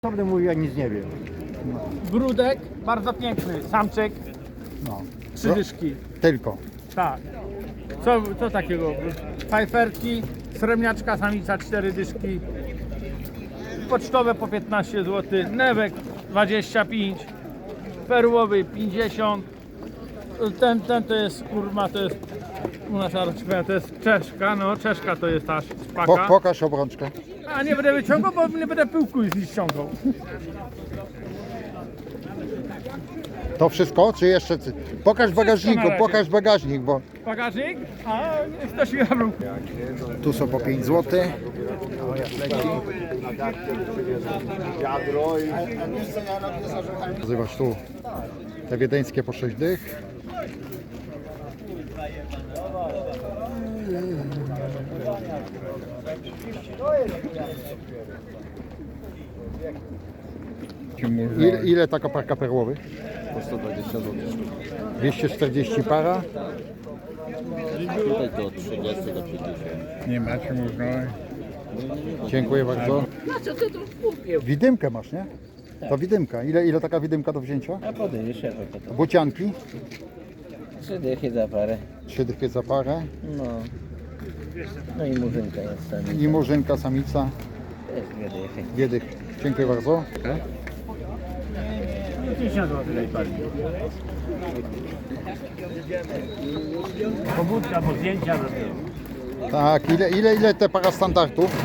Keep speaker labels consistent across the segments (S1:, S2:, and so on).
S1: Prawdę mówi, ja nic nie wiem.
S2: Grudek, bardzo piękny, samczyk,
S1: No.
S2: 3 dyszki.
S1: Tylko.
S2: Tak. Co takiego? Fajferki, srebrniaczka, samica 4 dyszki. Pocztowe po 15 zł, newek 25, perłowy 50. Ten to jest kurma, to jest u nas to jest czeszka, no czeszka to jest ta szpaka.
S1: Pokaż obrączkę.
S2: A nie będę wyciągał, bo nie będę pyłku już ściągał.
S1: To wszystko, czy jeszcze? Pokaż w bagażniku,
S2: na razie.
S1: pokaż bagażnik, bo
S2: Bagażnik? A ktoś mi zabrał.
S1: tu są po 5 zł. Nazywasz tu te wiedeńskie po 6 dych. Ile taka parka perłowych?
S3: Po 120 zł.
S1: 240 para.
S3: Tutaj to 30 do 50.
S4: Nie macie możliwości.
S1: Dziękuję bardzo.
S5: No co to kupił?
S1: Widymkę masz, nie? To widymka. Ile taka widymka do wzięcia?
S5: A podejdziesz, ja to.
S1: Bucianki.
S5: 3 dychy za parę.
S1: 3 dychy za parę.
S5: No. No i murzynka jest tam.
S1: I murzynka, samica.
S5: Też 2 dychy.
S1: 2 dychy. Dziękuję bardzo.
S2: 50 zł najbardziej. Pobudka, bo zdjęcia robią.
S1: Tak, ile te para standardów?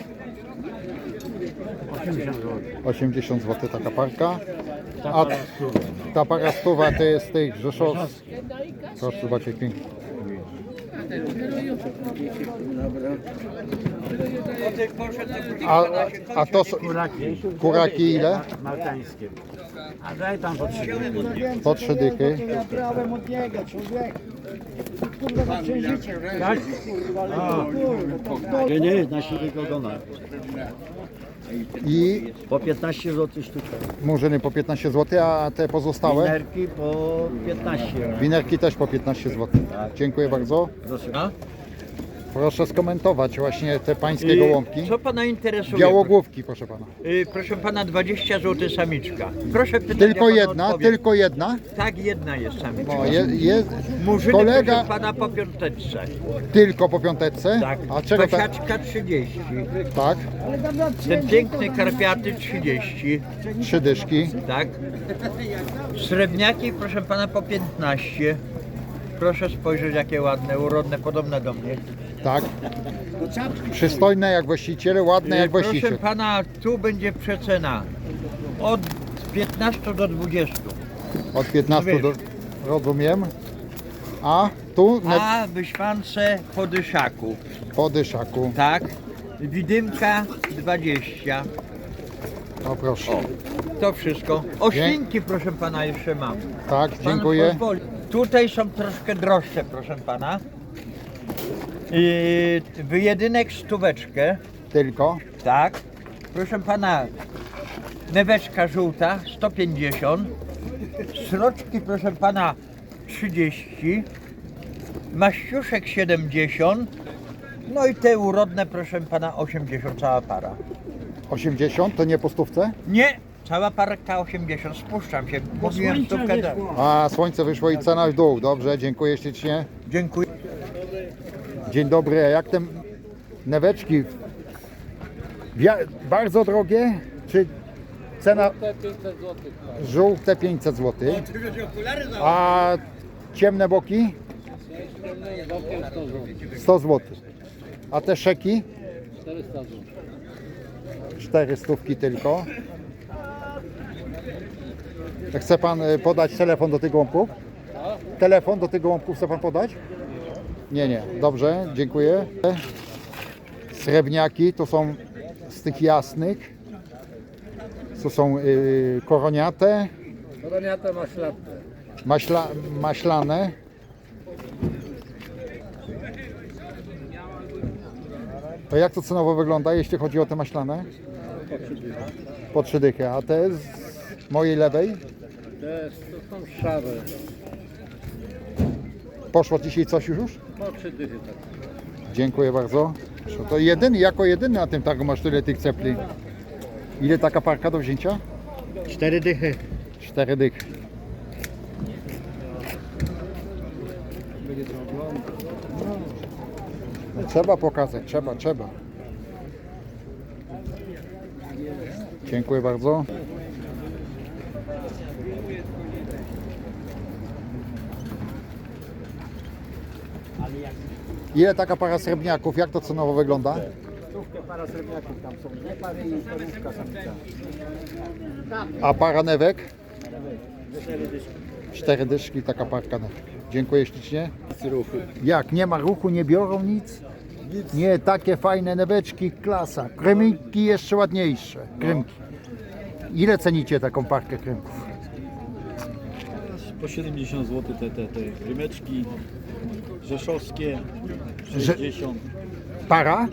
S2: 80 zł.
S1: 80 zł taka parka. A ta para stuwa to jest tych rzeszowskich. Proszę zobaczyć pięknie. A to są kuraki ile?
S2: Maltańskie. A daj tam po 3
S1: Po 3 dychy.
S2: Tak?
S6: Nie, na siwego ogona.
S1: I
S6: Po 15 zł sztuka.
S1: murzyny po 15 zł, a te pozostałe?
S6: Winerki po 15.
S1: Winerki też po 15 zł. Dziękuję bardzo.
S6: Proszę.
S1: Proszę skomentować właśnie te pańskie gołąbki.
S7: Co pana interesuje?
S1: Białogłówki, proszę pana.
S7: Proszę pana, 20 zł samiczka. Proszę pytać,
S1: Tylko
S7: ja panu
S1: jedna,
S7: odpowiem.
S1: tylko jedna.
S7: Tak, jedna jest samiczka.
S1: No, jest
S7: Murzyny,
S1: kolega
S7: proszę pana, po piąteczce.
S1: tylko po piąteczce.
S7: Tak.
S1: A czego tak?
S7: Pasiaczka 30.
S1: Tak,
S7: Ten piękny karpiaty 30.
S1: 3 dyszki.
S7: Tak. Srebrniaki, proszę pana, po 15. Proszę spojrzeć, jakie ładne, urodne, podobne do mnie.
S1: Tak. Przystojne jak właściciele, ładne jak
S7: Proszę
S1: właściciel.
S7: pana, tu będzie przecena od 15 do 20.
S1: Od 15 do... Rozumiem. A tu
S7: A wyśwance po dyszaku.
S1: po dyszaku.
S7: Tak. Widymka 20.
S1: O proszę.
S7: To wszystko. Oślinki, proszę pana, jeszcze mam.
S1: Tak,
S7: Pan
S1: dziękuję.
S7: pozwoli. Tutaj są troszkę droższe, proszę pana. Wyjedynek stóweczkę.
S1: Tylko.
S7: Tak. Proszę pana, neweczka żółta 150. Sroczki, proszę pana, 30. Maściuszek 70. No i te urodne, proszę pana, 80, cała para.
S1: 80 to nie po stówce?
S7: Nie, cała parka 80, spuszczam się. Mówiłem stówkę.
S1: A słońce wyszło i cena w dół. Dobrze, dziękuję ślicznie.
S7: Dziękuję.
S1: Dzień dobry, a jak te neweczki? Bardzo drogie? Czy cena? Żółte 500 zł. A ciemne boki? 100 zł. A te szeki? 400 tylko. Chce pan podać telefon do tych gołąbków? Telefon do tych gołąbków chce pan podać? Nie. Dobrze, dziękuję. Srebrniaki to są z tych jasnych. To są koroniate.
S4: Koroniate maślatte.
S1: Maślane. To jak to cenowo wygląda, jeśli chodzi o te maślane? Po 3 dychy. A te z mojej lewej?
S4: To są szare.
S1: Poszło dzisiaj coś już?
S4: Po 3 dychy tak.
S1: Dziękuję bardzo. To jedyny, jako jedyny na tym targu masz tyle tych cepli. Ile taka parka do wzięcia?
S6: 4 dychy.
S1: 4 dychy. Trzeba pokazać, trzeba. Dziękuję bardzo. Ile taka para srebrniaków? Jak to cenowo wygląda?
S6: Para srebrniaków tam są. Dwie pary i parówka samica.
S1: A para newek?
S6: 4 dyszki.
S1: 4 dyszki, taka parka newek. Dziękuję ślicznie. Jak? Nie ma ruchu, nie biorą nic? Nie, takie fajne neweczki, klasa. Krymki jeszcze ładniejsze. Krymki. Ile cenicie taką parkę krymków?
S8: Po 70 zł te krymeczki rzeszowskie,
S1: Że-
S8: 60.
S1: Para?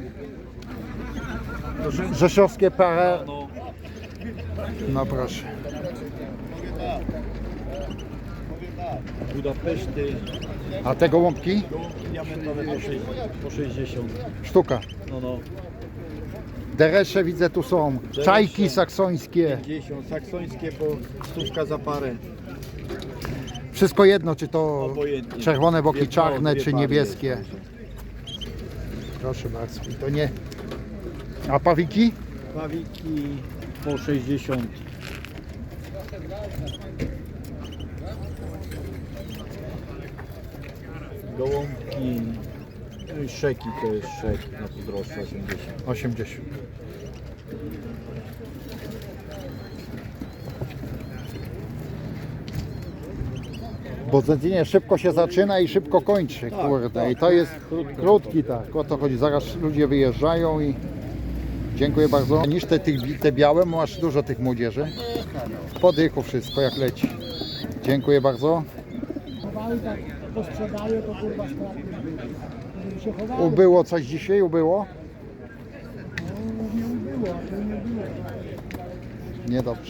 S1: Rzeszowskie para.
S8: No,
S1: No proszę.
S8: Budapeszty,
S1: A te gołąbki?
S8: gołąbki diamentowe po 60.
S1: Sztuka.
S8: No,
S1: Deresze widzę tu są. Czajki saksońskie.
S8: 50. Saksońskie po stówka za parę.
S1: Wszystko jedno, czy to
S8: Obojętnie.
S1: czerwone boki
S8: Dwie
S1: czarne,
S8: pary,
S1: czy
S8: dwie
S1: niebieskie.
S8: pary.
S1: Proszę bardzo. I to nie. A pawiki?
S8: Pawiki po 60. Gołąbki, no i szeki to jest szek na pozdroższe 80.
S1: 80. Bo zedzenie szybko się zaczyna i szybko kończy, kurde. I to jest krótki, tak. O to chodzi. Zaraz ludzie wyjeżdżają i dziękuję bardzo. Niż te białe, masz dużo tych młodzieży. Po dychu wszystko jak leci. Dziękuję bardzo. Ubyło coś dzisiaj? Ubyło? Niedobrze.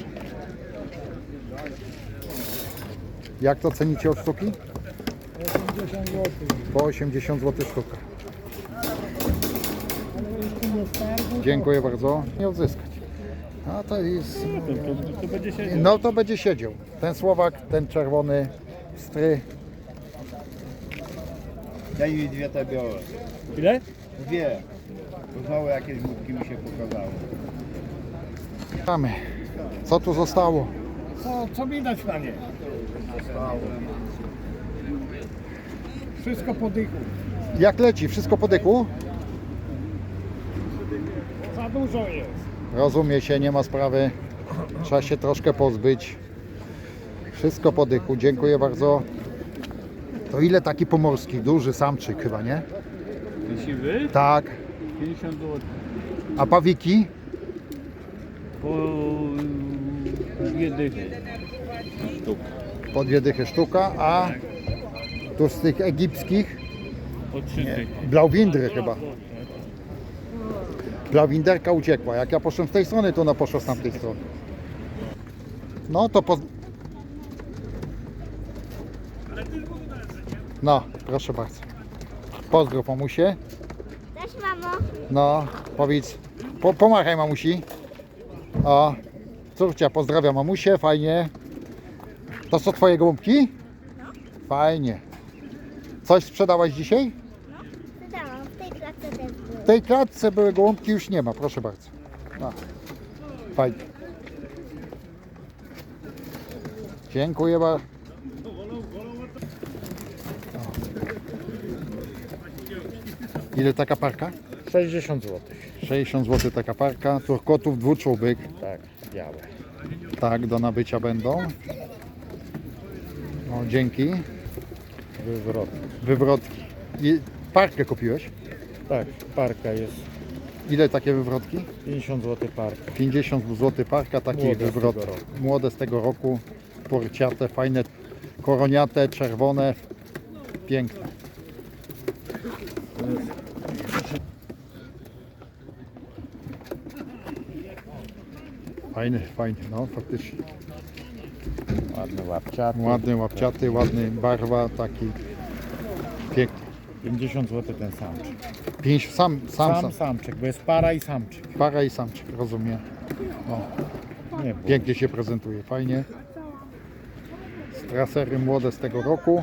S1: Jak to cenicie od sztuki?
S6: 80 zł.
S1: Po 80 zł sztuka. Dziękuję bardzo. Nie odzyskać. A to jest... No to będzie siedział. Ten Słowak, ten czerwony stry.
S4: Daj mi dwie te białe.
S2: Ile?
S4: Dwie. To znowu jakieś głupki mi się pokazały.
S1: Mamy. Co tu zostało?
S6: Co widać na nie? Wszystko po dychu.
S1: Jak leci? Wszystko po dyku?
S6: Za dużo jest.
S1: Rozumie się, nie ma sprawy. Trzeba się troszkę pozbyć. Wszystko po dychu. Dziękuję bardzo. To ile taki pomorski? Duży samczyk chyba, nie?
S2: Siwy?
S1: Tak.
S2: 50 zł.
S1: A pawiki?
S2: Po 2 dychy.
S1: Po 2 dychy sztuka, a tu z tych egipskich
S2: Po 3 dychy.
S1: Blauwindry chyba. Blauwinderka uciekła. Jak ja poszłem z tej strony, to ona poszła z tamtej strony. No to No, proszę bardzo. Pozdrów mamusie.
S9: Cześć mamo.
S1: No, powiedz. Pomachaj mamusi. O, córcia pozdrawia mamusię, fajnie. To są twoje gołąbki? Fajnie. Coś sprzedałaś dzisiaj?
S9: Wydałam, w tej klatce też były.
S1: W tej klatce były gołąbki, już nie ma, proszę bardzo. No. Fajnie. Dziękuję bardzo. Ile taka parka?
S6: 60 zł.
S1: 60 zł taka parka. Turkotów dwuczubek.
S6: Tak, białe.
S1: Tak, do nabycia będą. O, dzięki.
S6: Wywrot.
S1: Wywrotki. I parkę kupiłeś?
S6: Tak, parka jest
S1: Ile takie wywrotki?
S6: 50 zł parka.
S1: 50 zł parka, taki
S6: Młode z
S1: wywrot.
S6: tego roku.
S1: Młode z tego roku. Porciate, fajne, koroniate, czerwone. Piękne. Fajny, fajny, no faktycznie.
S6: Ładny łapciaty.
S1: Ładny, łapciaty, ładny, barwa, taki piękny.
S6: 50 zł ten samczyk.
S1: Sam.
S6: Samczyk, bo jest para i samczyk.
S1: Para i samczyk, rozumiem. Pięknie się prezentuje, fajnie. Strasery młode z tego roku.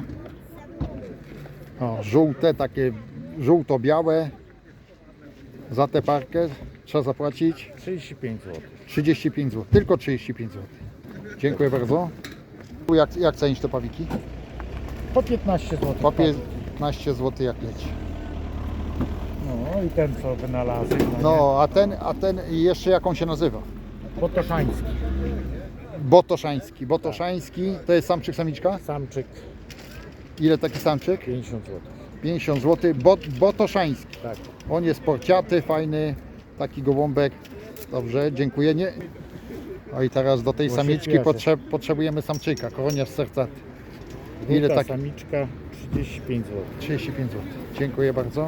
S1: O, żółte, takie żółto-białe. Za tę parkę trzeba zapłacić
S8: 35 zł.
S1: 35 zł, tylko 35 zł. Dziękuję bardzo. Jak cenisz te pawiki?
S8: Po 15 zł.
S1: Po 15 zł jak leci.
S8: No i ten co wynalazł.
S1: No, a ten jeszcze jak on się nazywa?
S8: Botoszański.
S1: Botoszański. Botoszański to jest samczyk, samiczka?
S8: Samczyk
S1: Ile taki samczyk?
S8: 50 zł.
S1: 50 zł. Botoszański.
S8: Tak.
S1: On jest porciaty, fajny, taki gołąbek. Dobrze, dziękuję. Nie. O i teraz do tej
S8: Bo się
S1: samiczki
S8: śpieszy.
S1: potrzebujemy samczyka, koroniarz sercaty. Ile
S8: Druga
S1: tak?
S8: samiczka 35 zł.
S1: 35 zł. Dziękuję bardzo.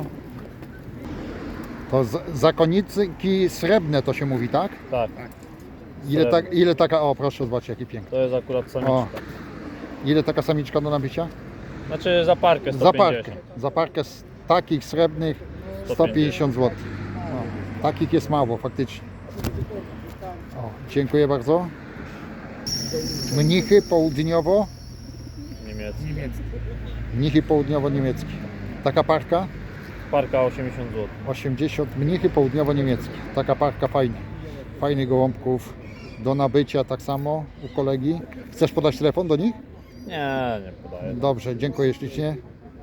S1: To zakonnicy srebrne to się mówi, tak?
S2: Tak,
S1: Ile taka, o proszę zobaczcie jaki piękny.
S2: to jest akurat samiczka.
S1: O, ile taka samiczka do nabycia?
S2: Znaczy za parkę
S1: Za parkę. Za parkę z takich srebrnych 150 zł. O, takich jest mało faktycznie. O, dziękuję bardzo. Mnichy południowo.
S2: Niemiecki.
S1: Mnichy południowo-niemieckie. Taka parka?
S2: Parka 80 zł.
S1: 80. Mnichy południowo-niemieckie. Taka parka fajna. Fajnych gołąbków. Do nabycia tak samo u kolegi. Chcesz podać telefon do nich?
S2: Nie podaję.
S1: Dobrze, dziękuję ślicznie.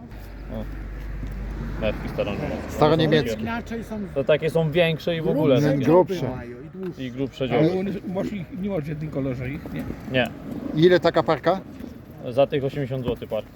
S2: Mewki staroniemieckie.
S1: Staroniemieckie.
S6: Inaczej są
S2: To takie są większe i w ogóle takie.
S1: Grubsze.
S6: mają i dłuższe.
S2: I grubsze
S6: Ale
S2: dzioby.
S6: nie masz w jednym kolorze ich, nie?
S2: Nie,
S1: Ile taka parka?
S2: za tych 80 zł parka.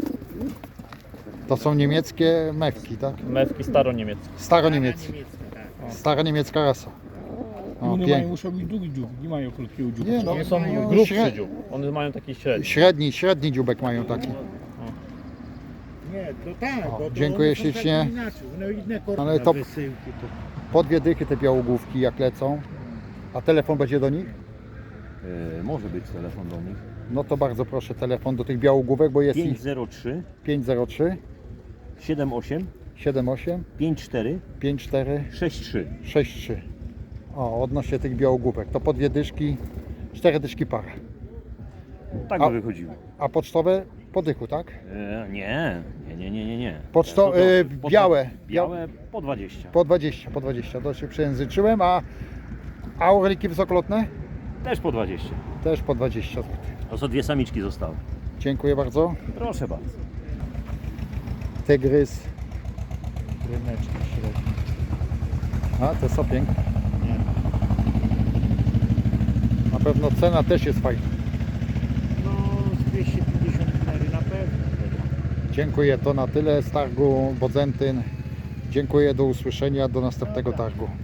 S1: To są niemieckie mewki, tak?
S2: Mewki staroniemieckie.
S1: Staroniemieckie. Staroniemiecka rasa. O,
S6: Muszą być długi dziób, nie mają krótkiego dziubu.
S1: Nie, no,
S2: One są
S1: no,
S2: grubszy dziób. One mają taki średni.
S1: Średni dziubek mają taki.
S6: Nie, to tak,
S1: O,
S6: bo to
S1: dziękuję
S6: one są
S1: ślicznie.
S6: takie inaczej, one inne kordy
S1: Ale
S6: na
S1: to-
S6: wysyłki, to...
S1: Po 2 dychy te białogłówki jak lecą. A telefon będzie do nich?
S3: Może być telefon do nich.
S1: No to bardzo proszę telefon do tych białogłówek, bo jest ich
S3: 503
S1: 503
S3: 78
S1: 78
S3: 54
S1: 54
S3: 63.
S1: 63. O, odnośnie tych białogłówek. To po 2 dyszki, 4 dyszki para.
S3: Tak
S1: A-
S3: by wychodziło.
S1: A pocztowe po dychu, tak?
S3: Nie.
S1: Poczto, białe.
S3: Białe po 20.
S1: Po 20. To się przejęzyczyłem, a orliki wysokolotne?
S3: Też po 20.
S1: Też po 20 zł.
S3: To są 2 samiczki zostały.
S1: Dziękuję bardzo.
S3: Proszę bardzo.
S1: Tygrys.
S8: Ryneczki średnie.
S1: A, te są piękne. Na pewno cena też jest fajna.
S6: No, z 254 na pewno.
S1: Dziękuję, to na tyle z targu Bodzentyn. Dziękuję, do usłyszenia, do następnego targu.